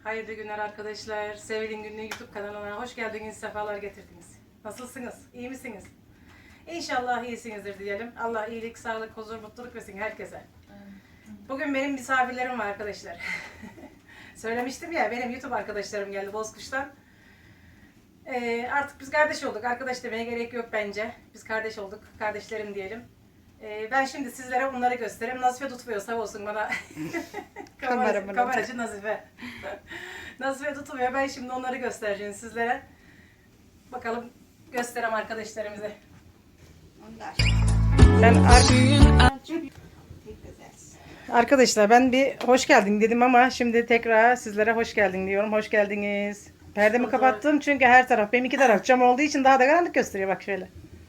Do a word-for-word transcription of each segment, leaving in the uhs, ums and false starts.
Hayırlı günler arkadaşlar. Sevil'in Günlüğü YouTube kanalına hoş geldiniz, sefalar getirdiniz. Nasılsınız? İyi misiniz? İnşallah iyisinizdir diyelim. Allah iyilik, sağlık, huzur, mutluluk versin herkese. Bugün benim misafirlerim var arkadaşlar. Söylemiştim ya, benim YouTube arkadaşlarım geldi Bozkuş'tan. Ee, artık biz kardeş olduk. Arkadaş demeye gerek yok bence. Biz kardeş olduk. Kardeşlerim diyelim. Ee, ben şimdi sizlere onları göstereyim. Nazife tutmuyor, sağ olsun bana. Kameracı, kameracı Nazife. Nazife tutmuyor. Ben şimdi onları göstereceğim sizlere. Bakalım göstereyim arkadaşlarımıza. Ben ar- Arkadaşlar ben bir hoş geldin dedim ama şimdi tekrar sizlere hoş geldin diyorum. Hoş geldiniz. Perdemi kapattım çünkü her taraf, benim iki taraf cam olduğu için daha da karanlık gösteriyor, bak şöyle.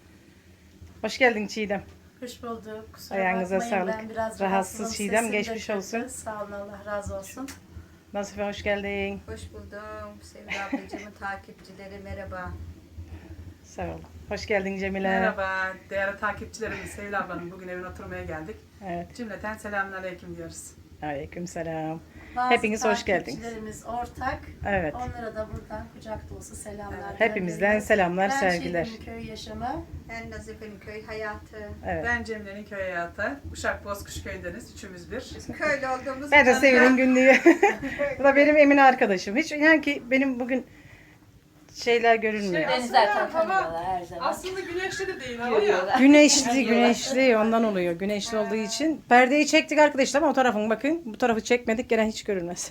Hoş geldin Çiğdem. Hoş bulduk. Kusura Ayağınıza bakmayın, sağlık. ben biraz Rahatsız rahatsızım. Çiğdem, Sesim de geçmiş kötü. olsun. Sağ olun, Allah razı olsun. Nasife hoş geldin. Hoş buldum. Sevgili ablacığımın takipçileri merhaba. Sağ ol. Hoş geldin Cemile. Merhaba değerli takipçilerimiz, Sevil ablanın bugün evine oturmaya geldik. Evet. Cümleten selamünaleyküm diyoruz. Aleykümselam. Bazı Hepiniz hoş geldiniz. takipçilerimiz ortak. Evet. Onlara da buradan kucak dolusu selamlar. Hepimizden gönderiyoruz. selamlar, ben sevgiler. Çiğdem'in köy yaşamı. Ben Nazife'nin köy hayatı. Evet. Ben Cemile'nin köy hayatı. Uşak Bozkuş köyündeniz. Üçümüz bir. Köylü olduğumuz Ben de için Sevil'in Günlüğü. Bu da benim Emine arkadaşım. Hiç yani ki benim bugün şeyler görünmüyor. Şey, Beni zaten Aslında hava- tanıyorlar her zaman. Aslında güneşli de değil hava ya. Güneşli, güneşli ondan oluyor. Güneşli olduğu için. Perdeyi çektik arkadaşlar ama o tarafın bakın. Bu tarafı çekmedik, gene hiç görünmez.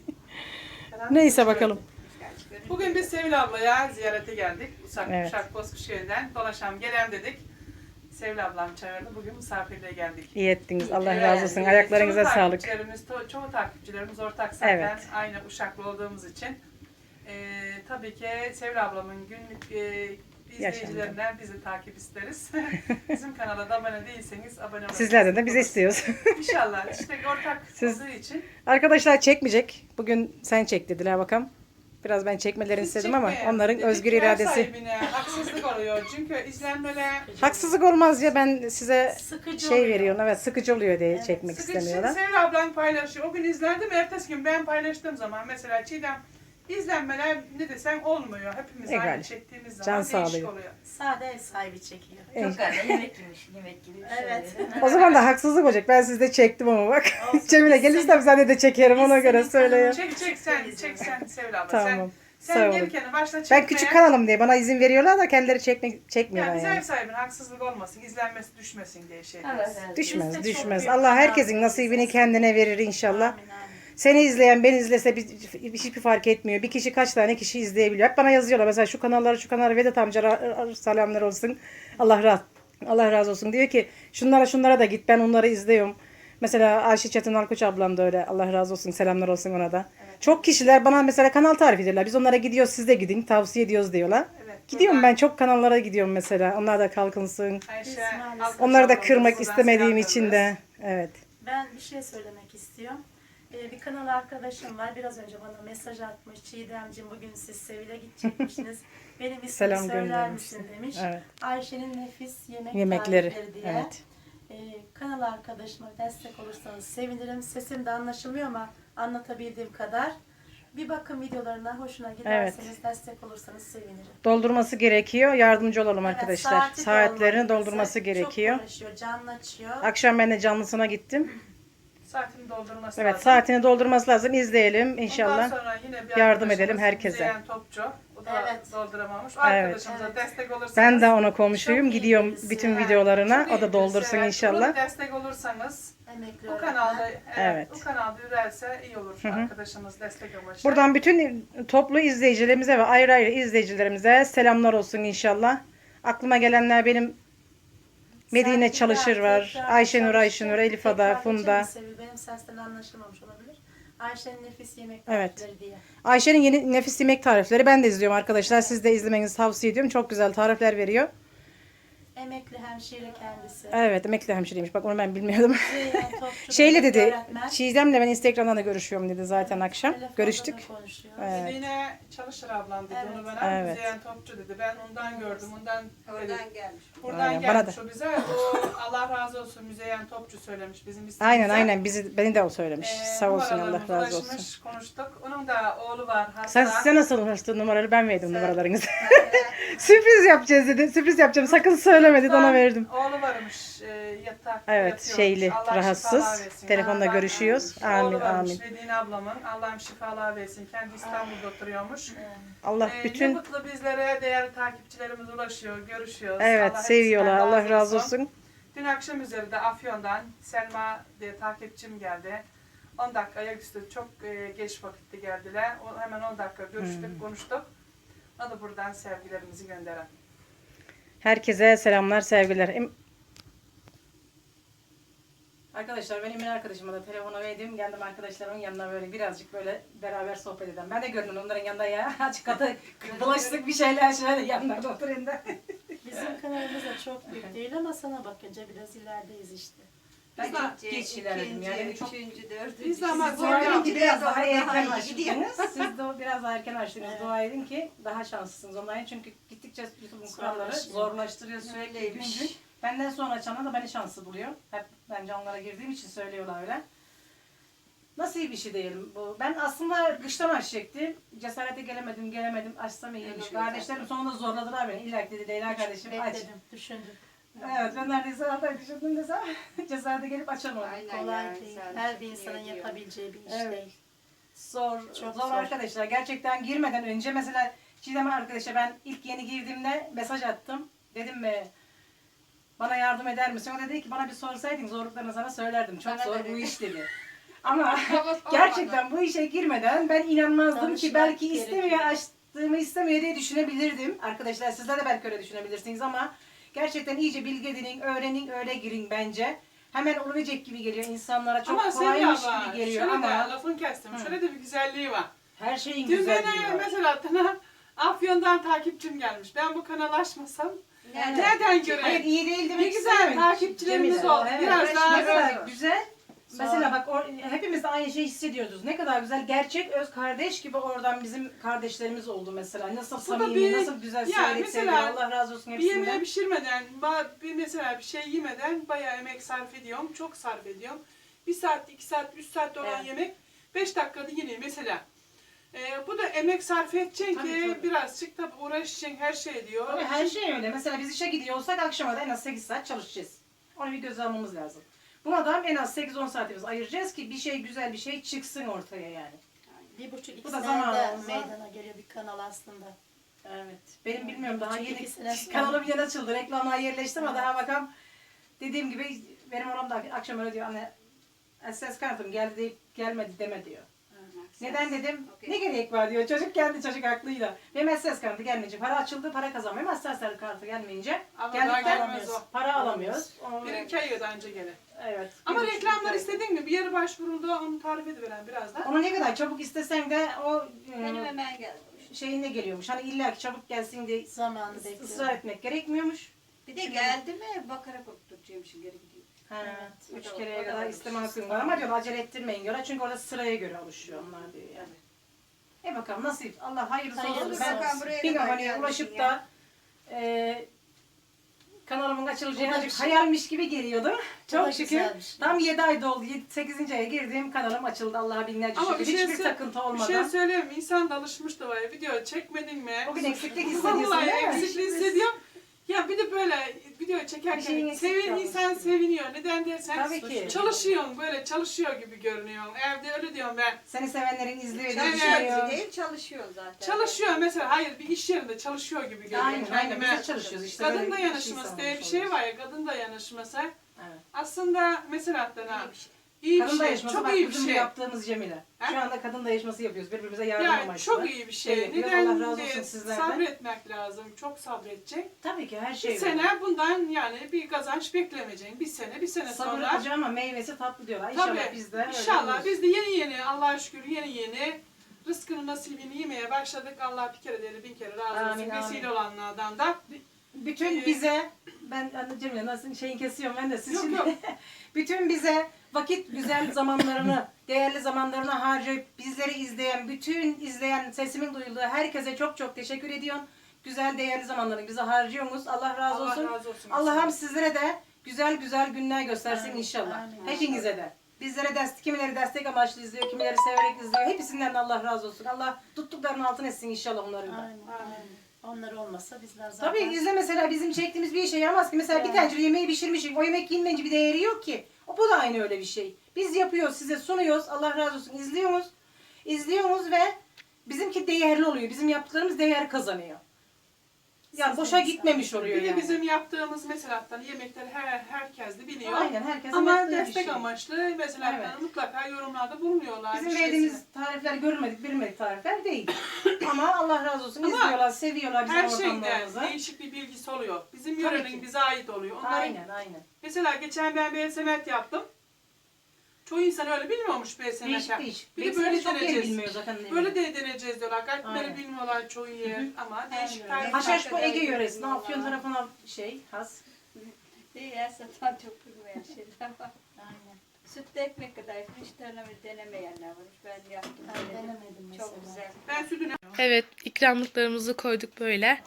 Neyse bakalım. Bugün biz Sevil ablaya ziyarete geldik. Uşak, Evet. Uşak Bozkuş köyünden. Dolaşalım gelelim dedik. Sevil ablam çağırdı. Bugün misafirliğe geldik. İyi ettiniz. Allah Evet, razı olsun. e, Ayaklarınıza çoğu sağlık. Takipçilerimiz, to- çoğu takipçilerimiz ortak zaten. Evet. Aynı Uşaklı olduğumuz için. Ee, tabii ki Sevil ablamın günlük e, izleyicilerinden bizi takip isteriz. Bizim kanala da abone değilseniz abone olabilirsiniz. Sizlerden de bizi istiyoruz. İnşallah. İşte ortak Siz- olduğu için. Arkadaşlar çekmeyecek. Bugün sen çek dediler bakalım. Biraz ben çekmelerini Siz istedim ama çekmeyin. onların Dedik özgür ki ev iradesi. sahibine haksızlık oluyor. Çünkü izlenmeler Haksızlık olmaz ya, ben size Sıkıcı şey oluyor. veriyorum. Evet, sıkıcı oluyor diye çekmek sıkıcı. istemiyorlar. Sevil ablan paylaşıyor. O gün izlendim. Ertesi gün ben paylaştığım zaman mesela Çiğdem izlenmeler ne desem olmuyor. Hepimiz Egal. aynı çektiğimiz zaman Can değişik sağlıyor. oluyor. Sade ev sahibi çekiyor. Evet. Çok güzel yemek yemiş, yemek gibi bir şey. Evet. O zaman da haksızlık olacak. Ben sizde çektim ama bak. Olsun. Cemile Biz gelirse seni- sen de çekerim, ona biz göre seni söyleyeyim. Çek çek sen, çek sen Sevil abla. Tamam. Sen, Sağ sen olun. gelirken başla çekmeye. Ben küçük kanalım diye bana izin veriyorlar da kendileri çekmek çekmiyorlar Yani biz yani. ev sahibine haksızlık olmasın, izlenmesi düşmesin diye şey Evet, diyoruz. evet. Düşmez, Biz de çok düşmez. büyük Allah herkesin şanslıyız. nasibini kendine verir inşallah. Amin, amin. Seni izleyen, beni izlese bir, hiçbir fark etmiyor. Bir kişi kaç tane kişi izleyebiliyor. Hep bana yazıyorlar mesela şu kanalları, şu kanalları, Vedat amca ra- selamlar olsun. Allah razı Allah razı olsun. Diyor ki şunlara şunlara da git, ben onları izliyorum. Mesela Ayşe Çetin Alkoç ablam da öyle. Allah razı olsun. Selamlar olsun ona da. Çok kişiler bana mesela kanal tarif ediyorlar. Biz onlara gidiyoruz, siz de gidin. Tavsiye ediyoruz diyorlar. Evet, Gidiyorum buradan ben çok kanallara gidiyorum mesela. Onlar da kalkınsın. Ayşe, Biz maalesef- Alkış Onları da ablamıza kırmak buradan istemediğim selam için yolluyoruz. de. Evet. Ben bir şey söylemek istiyorum. Ee, bir kanal arkadaşım var. Biraz önce bana mesaj atmış. Çiğdemciğim bugün siz Sevil'e gidecekmişsiniz. Benim ismimi Selam söyler göndermişsin. misin demiş. Evet. Ayşe'nin nefis yemek Yemekleri. tarifleri diye. Evet. Ee, kanal arkadaşıma destek olursanız sevinirim. Sesim de anlaşılmıyor ama anlatabildiğim kadar. Bir bakın videolarına, hoşuna giderseniz destek olursanız sevinirim. Doldurması gerekiyor. Yardımcı olalım Evet, arkadaşlar. saati de Saatlerini olmalı doldurması bize. gerekiyor. Çok uğraşıyor, canlı açıyor. Akşam ben de canlısına gittim. Saatini doldurması Evet, lazım. saatini doldurması lazım. İzleyelim Ondan inşallah. sonra yine bir yardım arkadaşımız edelim herkese. Müzeyyen Topçu. O da Evet. dolduramamış. O Evet. arkadaşımıza Evet. destek olursanız. Ben de ona komşuyum. Çok iyi Gidiyorum birisi. bütün Evet, videolarına. Çok O da iyi doldursun birisi, evet. inşallah. Ona destek olursanız Emekli bu öğretmen. kanalda evet, Evet. bu kanalda yürürse iyi olur Hı hı. arkadaşımız destek amaçlı. Buradan bütün toplu izleyicilerimize ve ayrı ayrı izleyicilerimize selamlar olsun inşallah. Aklıma gelenler benim Medine Sen Çalışır tekrar, var. tekrar Ayşenur çalıştın. Ayşenur, Elif Ada, Tekrar Funda. geçen Sevil, benim sesten anlaşılmamış olabilir. Ayşe'nin nefis yemek Evet. tarifleri diye. Ayşe'nin yeni nefis yemek tarifleri ben de izliyorum arkadaşlar. Siz de izlemenizi tavsiye ediyorum. Çok güzel tarifler veriyor. Emekli hemşire kendisi. Evet, emekli hemşireymiş. Bak onu ben bilmiyordum. Zeyhan Topçu Şeyle da dedi, öğretmen. Çiğdem'le ben Instagram'dan da görüşüyorum dedi zaten akşam. Telefonda da Görüştük. konuşuyor. Evet. Yine çalışır ablam dedi Evet. onu bana. Evet. Müzeyyen Topçu dedi. Ben ondan gördüm. Ondan Oradan gelmiş. buradan Aynen, bana gelmiş da. o bize. O Allah razı olsun Müzeyyen Topçu söylemiş bizim ismimize. Aynen aynen bizi beni de o söylemiş. Ee, Sağ olsun Allah numaralarımız razı olsun. ulaşmış, konuştuk. Onun da oğlu var hasta. Sen size nasıl ulaştı numaraları ben verdim numaralarınızı. Sürpriz yapacağız dedi. Sürpriz yapacağım. Sakın söyleme dedi ona verdim. Oğlu varmış e, yatak Evet yatıyormuş. şeyli Allah şifalar rahatsız. versin. Telefonda Allah- görüşüyoruz. Oğlu Amin varmış amin. Medine ablamın. Allah'ım şifalar versin. Kendi İstanbul'da oturuyormuş. Allah Ee, Ne bütün mutlu bizlere değerli takipçilerimiz ulaşıyor, görüşüyoruz. evet Allah seviyorlar. hepsinden Allah razı olsun. Dün akşam üzeri de Afyon'dan Selma diye takipçim geldi. on dakika ayaküstü çok e, geç vakitte geldiler. O, hemen on dakika görüştük, Hmm. konuştuk. Ona da buradan sevgilerimizi gönderen. Herkese selamlar, sevgiler. Em- Arkadaşlar benim bir arkadaşıma da telefonu verdim. Geldim arkadaşlarımın yanına böyle birazcık böyle beraber sohbet edelim. Ben de gördüm onların yanında ya. Açık katı bulaştık bir şeyler şöyle yanlarda oturayım da. Bizim kanalımız da çok büyük değil ama sana bakınca biraz ilerideyiz işte. Ben Biz çok İkinci, geç ilerledim ikinci, yani. Çok üçüncü, dördüncü. Biz de ama Siz zor oradan yaptık. gidiyor, biraz daha daha erken iyi gidiyor. açtınız. Siz de biraz daha erken açtınız. Evet. Dua edin ki daha şanslısınız onların. Çünkü gittikçe YouTube'un kuralları Zorlaşıyor. zorlaştırıyor sürekli gün Öyleymiş. gün. Benden sonra açanlar da beni şanslı buluyor. Hep ben canlara girdiğim için söylüyorlar öyle. Nasıl iyi bir şey diyelim bu. Ben aslında kıştan açacaktım. Cesarete gelemedim, gelemedim. Açsam iyiymiş. Öyle Kardeşlerim sonunda zorladılar beni. İlla ki dedi Leyla kardeşim aç. Bekledim, düşündüm. Evet ben neredeyse hatta düşündüm desem cesarete gelip açamam. Aynen Kolay yani, değil. sen Her çok bir iyi insanın ediyorsun. yapabileceği bir iş Evet. değil. Zor, Çok zor, zor. arkadaşlar. Gerçekten girmeden önce mesela Çiğdem arkadaşa ben ilk yeni girdiğimde mesaj attım. Dedim mi bana yardım eder misin? O da dedi ki bana bir sorsaydın zorluklarını sana söylerdim. Çok Bana zor dedi. bu iş dedi. Ama Ama gerçekten bu işe girmeden ben inanmazdım ki Danışmak belki gerekiyor. istemiyor, açtığımı istemiyor diye düşünebilirdim. Arkadaşlar sizler de belki öyle düşünebilirsiniz ama gerçekten iyice bilgi edinin, öğrenin, öyle girin bence. Hemen olacak gibi geliyor insanlara. Çok Ama kolaymış Sevda gibi abla, geliyor şöyle de ama lafını kestim. Hı. Şöyle de bir güzelliği var. her şeyin Dün güzelliği bana var. mesela bana Afyon'dan takipçim gelmiş. Ben bu kanal açmasam Yani- nereden Hayır göreyim? iyi değil demek Ne güzel istemedim. takipçilerimiz Cemile, oldu. evet. Biraz daha ne kadar zor. güzel. Zor. Mesela bak o, hepimiz de aynı şeyi hissediyoruz. Ne kadar güzel gerçek öz kardeş gibi oradan bizim kardeşlerimiz oldu mesela. Nasıl Bu da samimi, bir- nasıl güzel ya sevdik mesela sevgiler. Allah razı olsun Bir yemeği hepsinden. pişirmeden, ba- bir mesela bir şey yemeden bayağı emek sarf ediyorum. Çok sarf ediyorum. Bir saat, iki saat, üç saat olan Evet. yemek beş dakikada yine mesela. Ee, bu da emek sarf edeceksin Tabii, ki tabii. birazcık tabii uğraşacaksın her şey diyor. Tabii her şey öyle. Mesela biz işe gidiyorsak akşama da en az sekiz saat çalışacağız. Onu bir göze almamız lazım. Buna da en az sekiz on saatimiz ayıracağız ki bir şey güzel bir şey çıksın ortaya yani. Bir buçuk iki Bu da senede zamanımız var. meydana geliyor bir kanal aslında. Evet. Benim bilmiyorum daha Çünkü yeni iki sene sonra- kanalım yeni açıldı. Reklamlar yerleştim ama daha bakalım. Dediğim gibi benim oğlum da akşam öyle diyor anne ses kartım geldi deyip gelmedi deme diyor. Neden dedim? Okey. Ne gerek var diyor. Çocuk geldi çocuk aklıyla. Benim S S kartı gelmeyince para açıldı para kazanmıyorum. S S kartı gelmeyince Ama geldik daha de gelmez o. para alamıyoruz. O- Bir iki ay yılda önce gene. Evet. Ama Bir buçuk reklamlar ay. istedin mi? Bir yere başvuruldu onu tarif ediveren birazdan. Onu ne kadar çabuk istesen de o Benim e, hemen geldi. şeyine geliyormuş. Hani illa ki çabuk gelsin diye Zamanı ısrar bekliyor. etmek gerekmiyormuş. Bir de geldi mi bakarak okutacağımışım geri gidiyor. Ha, Evet. üç O da- kereye o da kadar var. isteme hakkın var ama diyorlar acele ettirmeyin diyorlar. Çünkü orada sıraya göre oluşuyor onlar diyor yani. E bakalım nasip. Allah hayırlısı olsun. Hayırlısı Ben olsun. Buraya bin kadar aboneye gelmişsin ulaşıp ya. da e, kanalımın açılacağı Bu da azıcık bir şey. hayalmiş gibi geliyordu. da Çok şükür. güzel bir şey. Tam yedi ay doldu. sekizinci aya girdiğim kanalım açıldı. Allah'a binlerce Ama şükür. bir şey Hiçbir sö- takıntı Bir olmadan. şey söyleyeyim mi? İnsan da alışmış da var. Video çekmedin mi? Bugün eksiklik hissediyorsun Vallahi değil mi? eksikliği hissediyorum. Ya bir de böyle video Bir şeyin çekerken eksik sevin, kalmış insan gibi. seviniyor. Neden dersen Tabii ki. çalışıyorsun böyle çalışıyor gibi görünüyorsun. Evde öyle diyorum ben. Seni sevenlerin izliyor diye Evet. düşünüyor. Çalışıyor değil çalışıyor zaten. Çalışıyor mesela hayır bir iş yerinde çalışıyor gibi görünüyorum Aynen aynen. kendime. Biz de çalışıyoruz işte. Kadın böyle bir iş dayanışması insanı diye bir olmuş şey oluyoruz. var ya kadın dayanışması. Evet. Aslında mesela Adana İyi bir şey. iyi bir Kadın şey, dayanışması çok bak iyi bir bizim şey. yaptığımız Cemile. Ha? Şu anda kadın dayanışması yapıyoruz. Birbirimize yardım Yani amaçlı. çok iyi bir şey. Şey yapıyoruz. Neden Allah razı diye olsun sizlerden. sabretmek lazım. Çok sabredecek. Tabii ki her Bir şey var. sene bundan yani bir kazanç beklemeyeceksin. Bir sene, bir sene Sabır sonra. acı ama meyvesi tatlı diyorlar. İnşallah Tabii. biz de öyle İnşallah oluruz. biz de yeni yeni Allah'a şükür yeni yeni rızkını nasibini yemeye başladık. Allah bir kere değil bin kere razı olsun. Amin, amin. Vesile olanlardan da. Bütün Ee, bize Ben anne Cemile nasıl şeyin kesiyorum ben de siz Yok, şimdi yok. bütün bize vakit güzel zamanlarını, değerli zamanlarını harcayıp bizleri izleyen, bütün izleyen, sesimin duyulduğu herkese çok çok teşekkür ediyorum. Güzel değerli zamanlarını bize harcıyorsunuz. Allah razı Allah olsun. razı olsun. Allah'ım sizlere de güzel güzel günler göstersin Amin, inşallah. amin. Hepinize de. Bizlere destek, kimileri destek amaçlı izliyor, kimileri severek izliyor. Hepsinden de Allah razı olsun. Allah tuttuklarının altın etsin inşallah onların da. Aynen, aynen. Onlar olmasa bizler zaten... Tabii izle mesela bizim çektiğimiz bir şey yaramaz ki. Mesela bir Yani. tencere yemeği pişirmişik. O yemek yenmeyince bir değeri yok ki. O bu da aynı öyle bir şey. Biz yapıyoruz, size sunuyoruz. Allah razı olsun. İzliyorsunuz. İzliyorsunuz ve bizimki değerli oluyor. Bizim yaptıklarımız değer kazanıyor. Yani Siz boşa de gitmemiş insan. oluyor Bir de yani. bizim yaptığımız mesela yemekleri her herkes de biliyor. Aynen herkesin Ama yaptığı bir destek şey. amaçlı mesela Evet. mutlaka yorumlarda bulunuyorlar. Bizim bir şeysini. verdiğimiz tarifler görülmedik, bilmedik tarifler değil. Ama Allah razı olsun. Ama izliyorlar, seviyorlar bizim her şeyde ortamlarımızı. değişik bir bilgisi oluyor. Bizim Tabii yörenin ki. bize ait oluyor. Onların, Aynen, aynen. Mesela geçen ben bir semet yaptım. Çoğu insan öyle bilmiyormuş bir semet Değişik yap. değişik. Bir de Belki böyle çok yer deneyeceğiz. bilmiyor zaten. Böyle de deneyeceğiz diyorlar. Kalpleri Aynen. bilmiyorlar çoğu yer ama değişik Aynen. tarifler. Haşhaş bu Ege Farklı yöresinde. bilmiyorlar. Afyon tarafına şey, has. Değil ya satan çok bilmeyen şeyler var. Aynen. Sütlü ekmek kadar hiç denemeyi denemeyenler var. Ben yaptım. Ben denedim. denemedim mesela. Çok güzel. Ben sütünü Evet, ikramlıklarımızı koyduk böyle.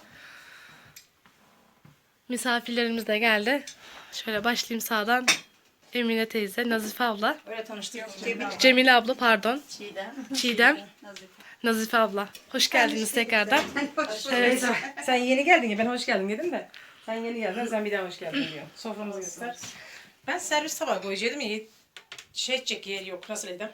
Misafirlerimiz de geldi. Şöyle başlayayım sağdan. Emine teyze, Nazife abla, Öyle tanıştık. Cemile abla pardon, Çiğdem. Çiğdem, Nazife. Nazife abla. Hoş geldiniz tekrardan. Evet. Sen, sen yeni geldin ya ben hoş geldin dedim de. Sen yeni geldin sen bir daha hoş geldin diyor. Soframızı göster. Ben servis tabağı koyacaktım ya. Şey edecek yer yok. Nasıl edem?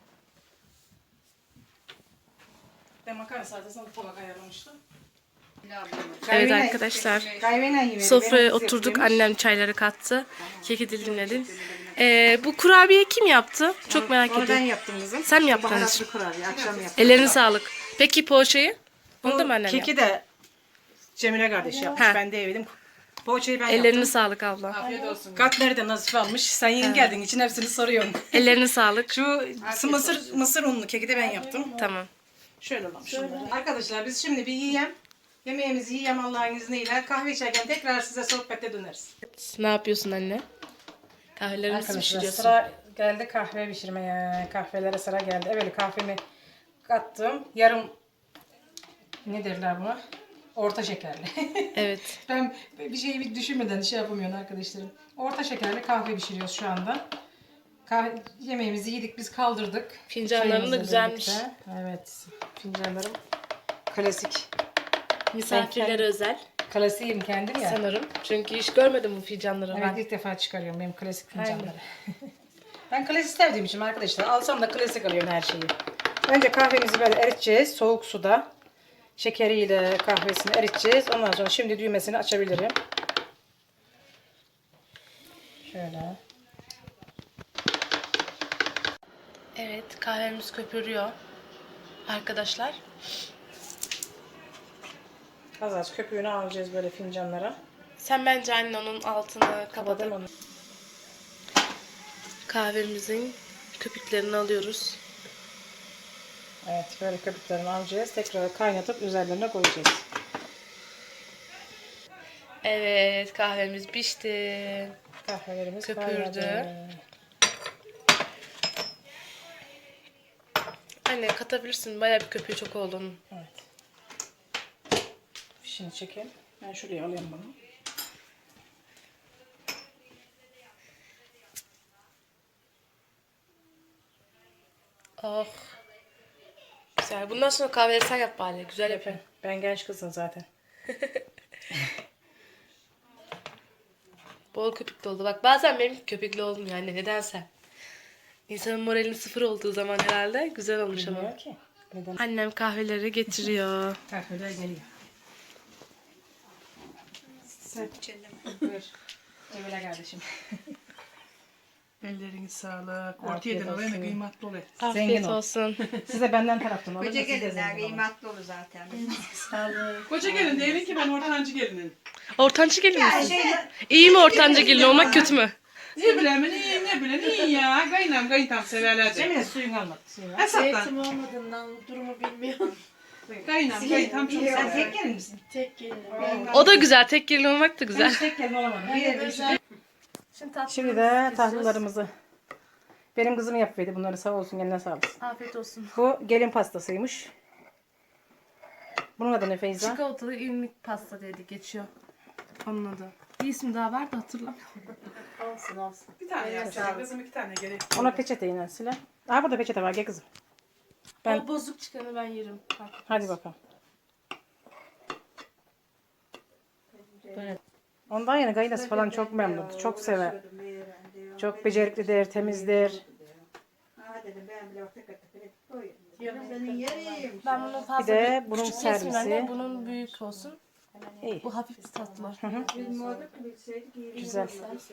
Ben makarna salatasına tabak ayarlamıştım. Evet arkadaşlar. Kahveyle yemeği. Sofraya oturduk. Annem çayları kattı. Keki dilimledim. Ee, bu kurabiye kim yaptı? Çok merak Onu ben ediyorum. yaptım kızım. Sen mi yaptın? Baharatlı kurabiye. Akşam yaptım. Ellerine sağlık. Peki poğaçayı? Onu da mı annem Keki yaptı? de Cemile kardeş yapmış. Ha. Ben de yedim. Poğaçayı ben Ellerine yaptım. sağlık abla. afiyet olsun. Katmer'i de Nazife almış. Sen yeni geldin için hepsini soruyorum. Ellerine sağlık. Şu mısır mısır unlu keki de ben yaptım. Tamam. Şöyle olmuş şunları. Arkadaşlar biz şimdi bir yiyem. Yemeğimizi yiyem Allah'ın izniyle. Kahve içerken tekrar size sohbete döneriz. Ne yapıyorsun anne? Kahvelerimizi Arkadaşlar pişiriyorsun. sıra geldi kahve pişirmeye. Kahvelere sıra geldi. Evet kahvemi kattım. Yarım ne derler buna? Orta şekerli. Evet. Ben bir şeyi bir düşünmeden şey yapamıyorum arkadaşlarım. Orta şekerli kahve pişiriyoruz şu anda. Kahve, yemeğimizi yedik biz kaldırdık. Fincanların da Çayımızla güzelmiş. birlikte. Evet. Fincanlarım klasik. Misafirlere özel Klasiğim kendim ya. sanırım. Çünkü hiç görmedim bu fincanları Evet ben. ilk defa çıkarıyorum benim klasik fincanları. Ben klasik sevdiğim için arkadaşlar alsam da klasik alıyorum her şeyi. Önce kahvemizi böyle eriteceğiz soğuk suda. Şekeriyle kahvesini eriteceğiz. Ondan sonra şimdi düğmesini açabilirim. Şöyle. Evet kahvemiz köpürüyor. Arkadaşlar. Az az köpüğünü alacağız böyle fincanlara. Sen bence anne onun altını kapatıp Kapatalım onu. kahvemizin köpüklerini alıyoruz. Evet böyle köpüklerini alacağız. Tekrar kaynatıp üzerlerine koyacağız. Evet kahvemiz pişti. Kahvelerimiz Köpürdü. kaynadı. Anne katabilirsin. Bayağı bir köpüğü çok oldu onun. Evet. Fişini çekelim. Ben şuraya alayım bunu. Oh. Güzel. Bundan sonra kahveleri sen yap bari. Güzel yapın. Ben genç kızım zaten. Bol köpüklü oldu. Bak bazen benim köpüklü olmuyor anne. Nedense. İnsanın moralinin sıfır olduğu zaman herhalde güzel olmuş ama. Bilmiyor ki. Neden? Annem kahveleri getiriyor. Kahveler geliyor. Sen İçinde buyur. Cemile kardeşim. Elleriniz sağlık. Afiyet Orta yedin o olsun. kıymetli oluyor. Afiyet Zengin ol. olsun. Size benden taraftan alın. Koca da siz de gelinler zengin olun. kıymetli olur zaten. Sağlık. Koca gelin değilim ki ben ortancı gelinim. Ortancı gelin misin? İyi mi ortancı gelin olmak kötü mü? Ne bileyim ne ne bileyim iyi ya. Kaynam kayıntam severler de. Cemile suyun almadı. Suyunu al. Hesaptan. Eğitim olmadığından durumu bilmiyorum. Kayınam, kayın tam çok Sen sever. tek gelin misin? Tek gelinim. O da güzel. Tek gelin olmak da güzel. Hiç tek gelin olamadım. Bir yerde işte. Şimdi, tatlı Şimdi de tatlılarımızı. Benim kızım yapıyordu bunları, sağ olsun, eline sağlık. Afiyet olsun. Bu gelin pastasıymış. Bunun adı ne Feyza? Çikolatalı irmik pasta diye de geçiyor. Onun adı. Bir isim daha var da hatırlamıyorum. Olsun olsun. Bir tane yapacağım. Kızım iki tane gerek. Ona peçete yine Sile. Aa, burada peçete var, gel kızım. Ben- O bozuk çıkanı ben yerim. Bak. Hadi bakalım. Ondan yana gaylası falan çok memnun. Çok sever. Çok beceriklidir, temizdir. Ben bunu fazla Bir de büyük- bunun küçük kesmeyeyim servisi. anne. Bunun büyük olsun. İyi. Bu hafif bir tatlı. Güzel.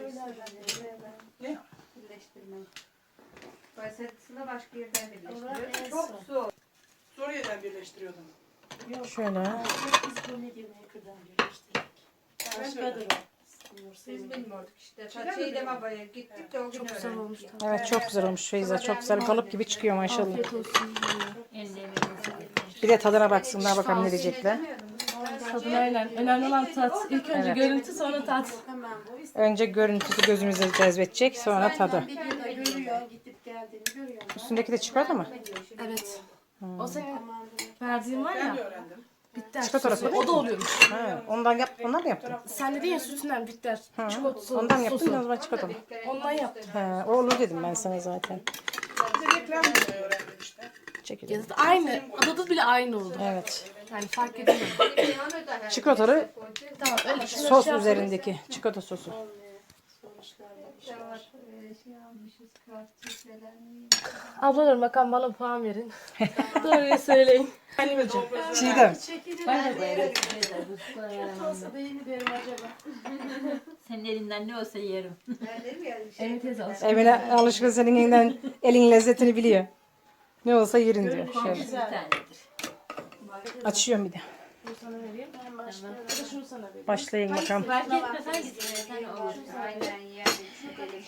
Başkasına başka yerden birleştiriyor. Çok zor. Suriye'den birleştiriyordum. Şöyle. Biz bu ne diyor ne kadar birleştirdik. Başkadır o. Biz bilmiyorduk işte. Ta şeyde babaya gittik de o gün Çok güzel öğrendik. olmuş. Evet, çok güzel olmuş Feyza. Çok güzel kalıp gibi çıkıyor maşallah. Afiyet olsun. Bir de tadına baksınlar bakalım ne diyecekler. Tadına aynen. Önemli olan tat. İlk önce Evet. görüntü sonra tat. Hemen bu. İşte Önce görüntüsü gözümüze cezbedecek, sonra tadı. videoda görüyor, gidip geldiğini görüyor. Üstündeki de çikolata mı? Evet. O senin verdiğin var Ben ya. de öğrendim. Bitter. Çikolata sosu. sosu. O da oluyormuş. Ha, ondan yap, ondan mı yaptın? Sen dedin ya sütünden bitter. Çikolata Ondan mı yaptın, sosu. o zaman çikolata mı? Ondan yaptım. Ha, o olur dedim ben sana zaten. Bir de reklam yapmayı öğrendim işte. Çekilir. Ya da aynı. Adı bile aynı oldu. Evet. Yani fark edemiyorum. Çikolatalı Tamam öyle. Şunu sos şey üzerindeki çikolata sosu. Ablalarım bakalım bana puan verin. Doğruyu söyleyin. Çiğdem. Olsa da iyi mi derim acaba? Senin elinden ne olsa yerim. Emin teyze alsın. Emine alışkın, senin elinden elin lezzetini biliyor. Ne olsa yerin diyor. Şöyle. Bir tanedir. Açıyorum bir de. Bunu sana vereyim. Ben başlıyorum. Ya da şunu sana vereyim. Başlayın bakalım. Fark etmez hangisini sen olur. Aynen yani.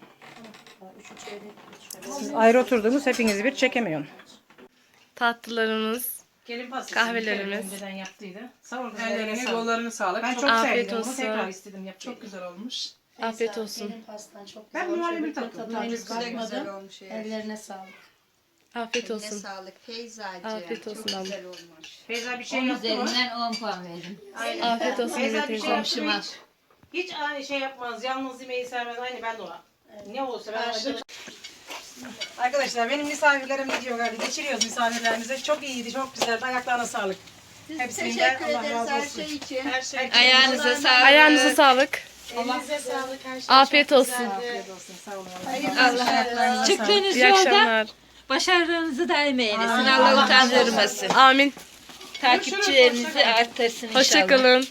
Siz ayrı oturdunuz, hepinizi bir çekemiyorum. Tatlılarımız. Gelin pastası. Kahvelerimiz. Önceden yaptıydı. Sağ olun. Ellerine kollarını sağlık. Ben çok, çok Afiyet sevdim. Bunu olsun. tekrar istedim yapmayı. çok güzel olmuş. Afiyet olsun. Benim pastan çok Ben güzel olmuş. muhallebi Öbür tattım. tadına henüz Güzel güzel bakmadım. olmuş yani. Ellerine sağlık. Afiyet Eline olsun. sağlık Feyzacığım. Afiyet olsun Çok abla. güzel olmuş. Feyza bir şey On yaptı mı? üzerinden on puan verdim. Afiyet olsun Feyza Mehmet bir teyze. şey yaptı mı Komşuma. hiç? Hiç aynı şey yapmaz. Yalnız yemeği sevmez. Aynı ben de o. Ne olsa ben acı. Arkadaşlar benim misafirlerim gidiyor galiba. Geçiriyoruz misafirlerimize. Çok iyiydi, çok güzeldi. Ayaklarına sağlık. Hepsinden Teşekkür Allah ederiz razı her olsun. şey için. Her şey Ayağınıza sağlık. Ayağınıza sağlık. Elinize sağlık. Her şey Afiyet çok olsun. güzeldi. Afiyet olsun. Sağ olun. Allah Çıktığınız İyi yolda akşamlar. başarınızı daim eylesin. Allah utandırmasın. Amin. Takipçilerinizi arttırsın inşallah. Hoşçakalın.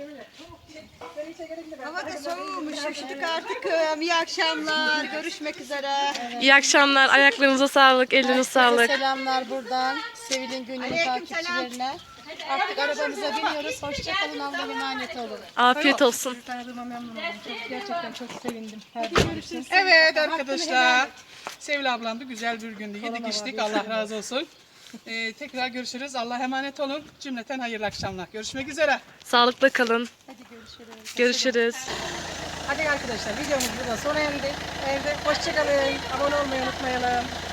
Hava da soğumuş. Üşüdük artık. İyi akşamlar. Görüşmek üzere. İyi akşamlar. Ayaklarınıza sağlık. Ellerinize sağlık. Selamlar buradan. Sevil'in günlük takipçilerine. Artık arabamıza biniyoruz. Hoşçakalın. Allah'a emanet olun. Afiyet olsun. Tanıdığıma memnun oldum. Çok, gerçekten çok sevindim. Her görüşürüz. Evet arkadaşlar. Sevil ablam da güzel bir gündü. Yedik içtik. Allah razı olsun. Ee, tekrar görüşürüz. Allah'a emanet olun. Cümleten hayırlı akşamlar. Görüşmek üzere. Sağlıkla kalın. Görüşürüz. Hadi arkadaşlar, videomuz burada sona erdi. Evde hoşçakalın. Abone olmayı unutmayalım.